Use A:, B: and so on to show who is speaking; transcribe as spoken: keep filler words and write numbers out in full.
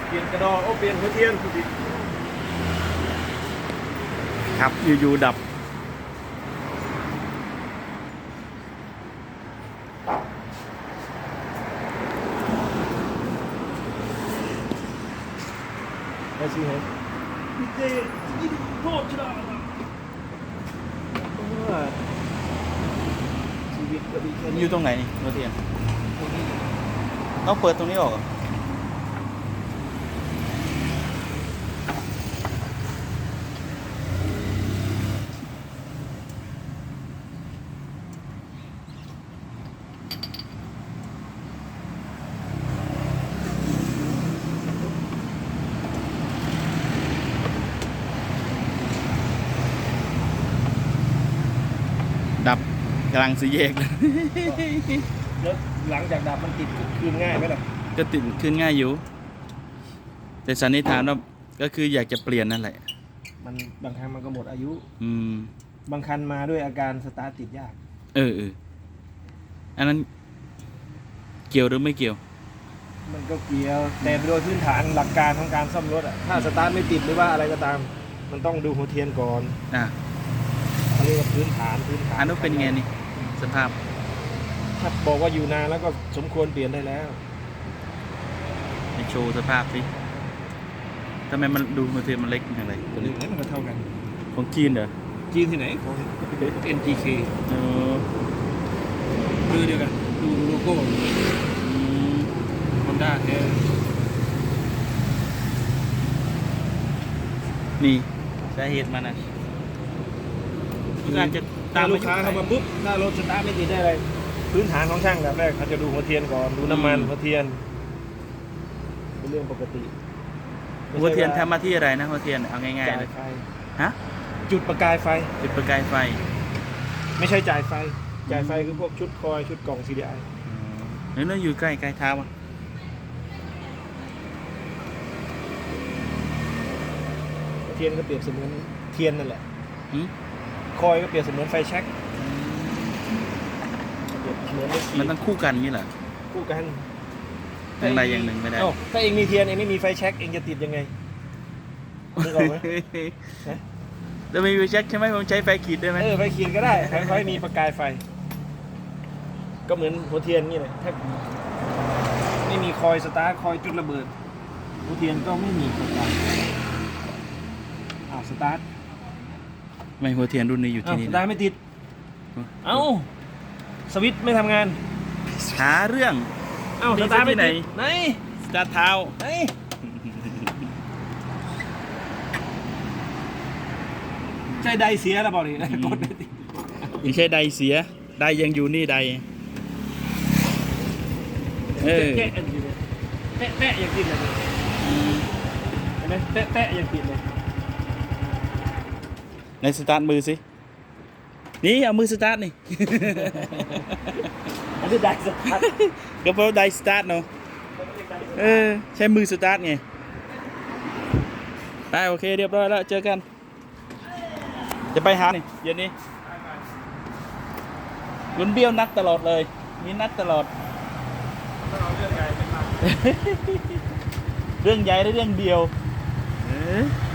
A: เปลี่ยนกระดองโอ้เปลี่ยนหัวเทียนคุณดิ
B: ครับอยู่ๆดับ
A: ไอ้สิเห็นมีเจยิงโทษชนะชีวิตก็ดีแค่นี้
B: อยู่ตรงไหนนี่โรเทียนต้องเปิดตรงนี้ออกเหรอดับกำลังสีแยกเลย
A: แล้วหลังจากดับมันติดคืนง่ายไหมล่ะ
B: ก็ติดขึ้นง่ายอยู่แต่สันนิษฐานว่าก็คืออยากจะเปลี่ยนนั่นแหละ
A: มันบางครั้งมันก็หมดอายุ
B: อืม
A: บางคันมาด้วยอาการสตาร์ทติดยาก
B: เออเอออันนั้นเกี่ยวหรือไม่เกี่ยว
A: มันก็เกี่ยวแต่โดยพื้นฐานหลักการของการซ่อมรถอะถ้าสตาร์ทไม่ติดหรือว่าอะไรก็ตามมันต้องดูหัวเทียนก่อน
B: อ่ะ
A: เขาเรียกว่าพื้นฐานพื้นฐาน
B: อันนู้นเป็นไงนี่สภาพ
A: ถ้าบอกว่าอยู่นานแล้วก็สมควรเปลี่ยนได้แล้ว
B: ให้โชว์สภาพสิทำไมมันดูมือถือมันเล็กอย่างไร
A: ตัวนี้มันก็เท่ากัน
B: ของจีนเหรอ
A: จีนที่ไหนของ เอ็น จี เค
B: เออ
A: ดูเดียวกันดูโลโก้ฮอนด้าแท้
B: นี่สาเหตุมันนะการจะ
A: ตามลูกค้าเข้ามาปุ๊บถ้ารถสตาร์ทไม่ติดได้อะไรพื้นฐานของช่างแบบแรกเขาจะดูหัวเทียนก่อนดูน้ำมันหัวเทียนเป็นเรื่องปกติ
B: หัวเทียนทำมาที่อะไรนะหัวเทียนเอาง่ายๆเลยฮะ
A: จุดประกายไฟ
B: จุดประกายไฟ
A: ไม่ใช่จ่ายไฟจ่ายไฟคือพวกชุดคอยชุดกล่อง ซี ดี ไอ
B: เนื้ออยู่ใกล้ใกล้เท้าอ่ะ
A: เทียนก็เปรียบเสมือนเทียนนั่นแหละคอยก็เปรียบเสมือนไฟแช็ก
B: มันต้องคู่กันนี่เหรอ
A: คู่กัน
B: อย่างใดอย่างหนึ่งไม่ได้
A: ถ้าเองมีเทียนเองไม่มีไฟแช็กเองจะติดยังไงนึกออกไหม
B: แล้วมีไฟแช็กใช่ไหมผมใช้ไฟขีดได้ไหม
A: เออไฟขีดก็ได้ไฟมีประกายไฟก็เหมือนหัวเทียนนี่แหละถ้าไม่มีคอยสตาร์ทคอยจุดระเบิดหัวเทียนก็ไม่มีประกายอ้าวสตาร์ท
B: ไม่หัวเทียนรุ่นนี้อยู่ที่นี่
A: สตาร์ทไม่ติดเอ้าสวิตช์ไม่ทำงาน
B: หาเรื่อง
A: เอ้าสตาร์ทไม่ติดไหน
B: สตาร์ทเท้า
A: ไหนใช่ไดเสียแล้วบอกดิกดไม่ติด
B: ยังใช่ไดเสียไดยังอยู่นี่ไดเออ
A: แตะแตะแตะยังติดเลยเห็นไหมแตะแตะยังติดเลย
B: ในสตาร์ทมือสินี่เอามือสตาร์ทนี่
A: อันนี้ไดสตาร์ท
B: ก็เพราะไดสตาร์ทเนาะเออใช้มือสตาร์ทไงไปโอเคเรียบร้อยแล้วเจอกันจะไปหานี่เย็นนี้ลุนเบี้ยวนัดตลอดเลยมีนัดตลอดเรื่องใหญ่ไม่มาเรื่องใหญ่และเรื่องเดียว